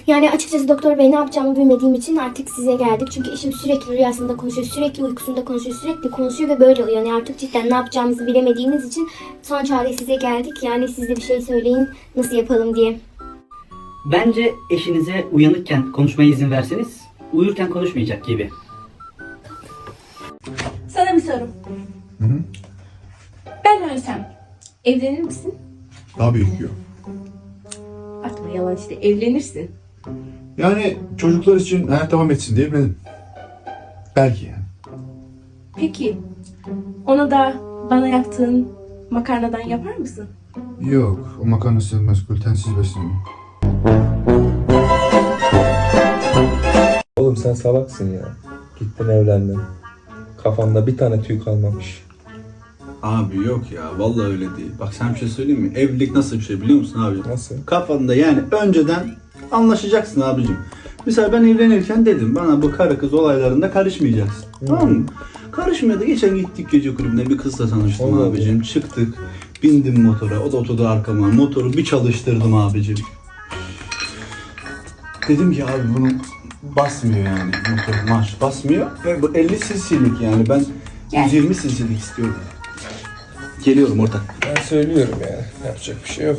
Yani açıkçası doktor bey ne yapacağımı bilmediğim için artık size geldik. Çünkü eşim sürekli rüyasında konuşuyor, sürekli uykusunda konuşuyor, sürekli konuşuyor ve böyle oluyor. Yani artık cidden ne yapacağımızı bilemediğimiz için son çare size geldik. Yani siz de bir şey söyleyin nasıl yapalım diye. Bence eşinize uyanıkken konuşmaya izin verseniz uyurken konuşmayacak gibi. Sana bir soru. Ben ölsem evlenir misin? Tabii ki yok. Atma yalan işte, evlenirsin. Yani çocuklar için hayat devam etsin diye evlendim. Belki yani. Peki ona da bana yaptığın makarnadan yapar mısın? Yok, o makarna sığmaz, glutensiz besleniyor. Oğlum sen salaksın ya. Gittin evlendin. Kafanda bir tane tüy kalmamış. Abi yok ya, vallahi öyle değil. Bak sen bir şey söyleyeyim mi? Evlilik nasıl bir şey biliyor musun abi? Nasıl? Kafanda yani önceden anlaşacaksın abicim. Mesela ben evlenirken dedim bana bu karı kız olaylarında karışmayacaksın. Tamam mı? Karışmıyor da geçen gittik gece kulübüne bir kızla tanıştım Allah abicim. Çıktık. Bindim motora. O da oturdu arkama. Motoru bir çalıştırdım abicim. Dedim ki abi bunu basmıyor yani. Motor marş basmıyor. Ve bu 50 cc'lik yani. Ben 120 cc'lik istiyorum. Geliyorum ortak. Ben söylüyorum ya. Yapacak bir şey yok.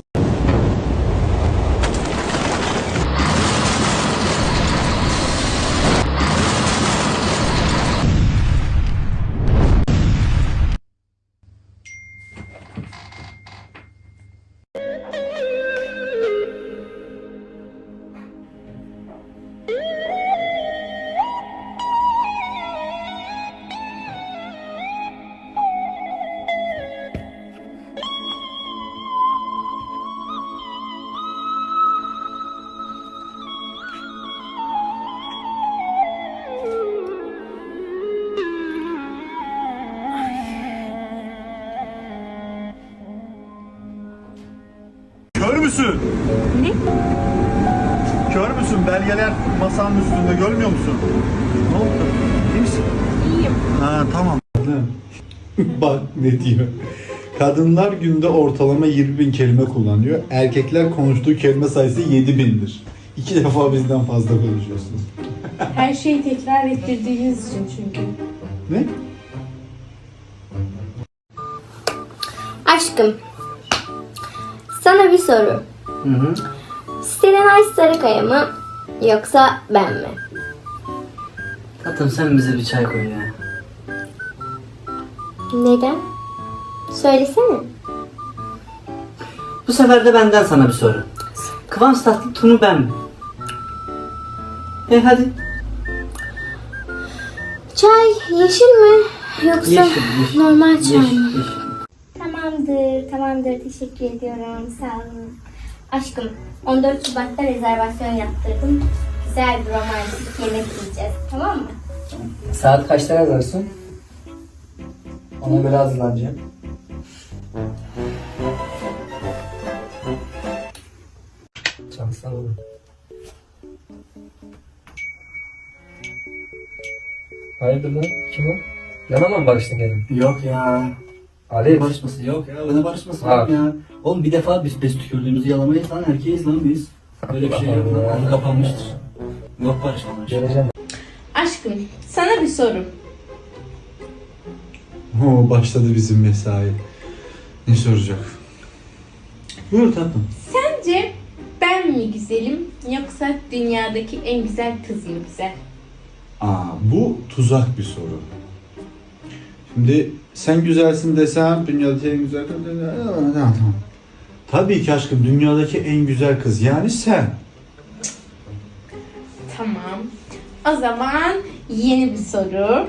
Kör müsün? Ne? Kör müsün? Belgeler masanın üstünde, görmüyor musun? Ne oldu? İyi misin? İyiyim. Ha tamam. Bak ne diyor. Kadınlar günde ortalama 20.000 kelime kullanıyor. Erkekler konuştuğu kelime sayısı 7.000'dir. 2 defa bizden fazla konuşuyorsunuz. Her şeyi tekrar ettirdiğiniz için çünkü. Ne? Aşkım, sana bir soru. Hı hı. Serenay Sarıkaya mı yoksa ben mi? Tatlım sen bize bir çay koy ya. Neden? Söylesene. Bu sefer de benden sana bir soru. Kıvanç Tatlıtuğ mu ben mi? Hadi. Çay yeşil mi yoksa Yeşil. normal çay mı? Yeşil. Tamamdır. Teşekkür ediyorum. Sağ olun. Aşkım, 14 Şubat'ta rezervasyon yaptırdım. Güzel bir romantik yemek yiyeceğiz. Tamam mı? Saat kaçta yazarsın? Ona göre hazırlanacağım. Çalsana oğlum. Hayırdır lan? Kim o? Yanama mı barıştın gelin? Yok ya. Ali. Barışması yok ya. Ne barışması Abi. ya? Oğlum bir defa biz tükürdüğümüzü yalamayız lan. Erkeğiz lan biz. Böyle bir şey yok lan. Konu kapanmıştır. Yok barışmalar. Geleceğim. Aşkım, sana bir soru. Oo, başladı bizim mesai. Ne soracak? Buyur tatlım. Sence ben mi güzelim yoksa dünyadaki en güzel kız mı güzel? Bu tuzak bir soru. Şimdi sen güzelsin desem dünyadaki en güzel kız... Tamam. Tabii ki aşkım dünyadaki en güzel kız yani sen. Tamam. O zaman yeni bir soru.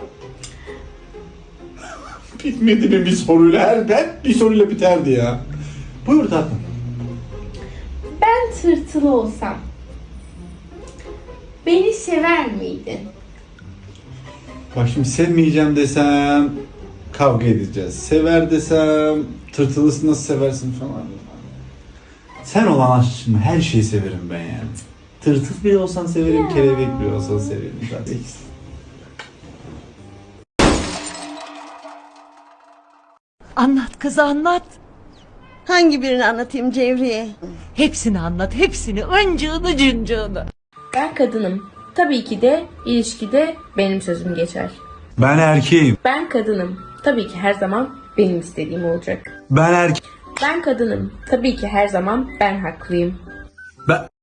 Bitmedi mi bir soruyla? Ben bir soruyla biterdi ya. Buyur tatlım. Ben tırtılı olsam beni sever miydin? Bak şimdi sevmeyeceğim desem kavga edeceğiz. Sever desem tırtılısı nasıl seversin falan. Sen olan aşkım her şeyi severim ben yani. Tırtıl bile olsan severim, kelebek bile olsan severim. Zaten ikisi. Anlat kız anlat. Hangi birini anlatayım Cevriye? Hepsini anlat hepsini. Öncığını cıncığını. Ben kadınım. Tabii ki de ilişkide benim sözüm geçer. Ben erkeğim. Ben kadınım. Tabii ki her zaman benim istediğim olacak. Ben erkeğim. Ben kadınım. Tabii ki her zaman ben haklıyım. Ben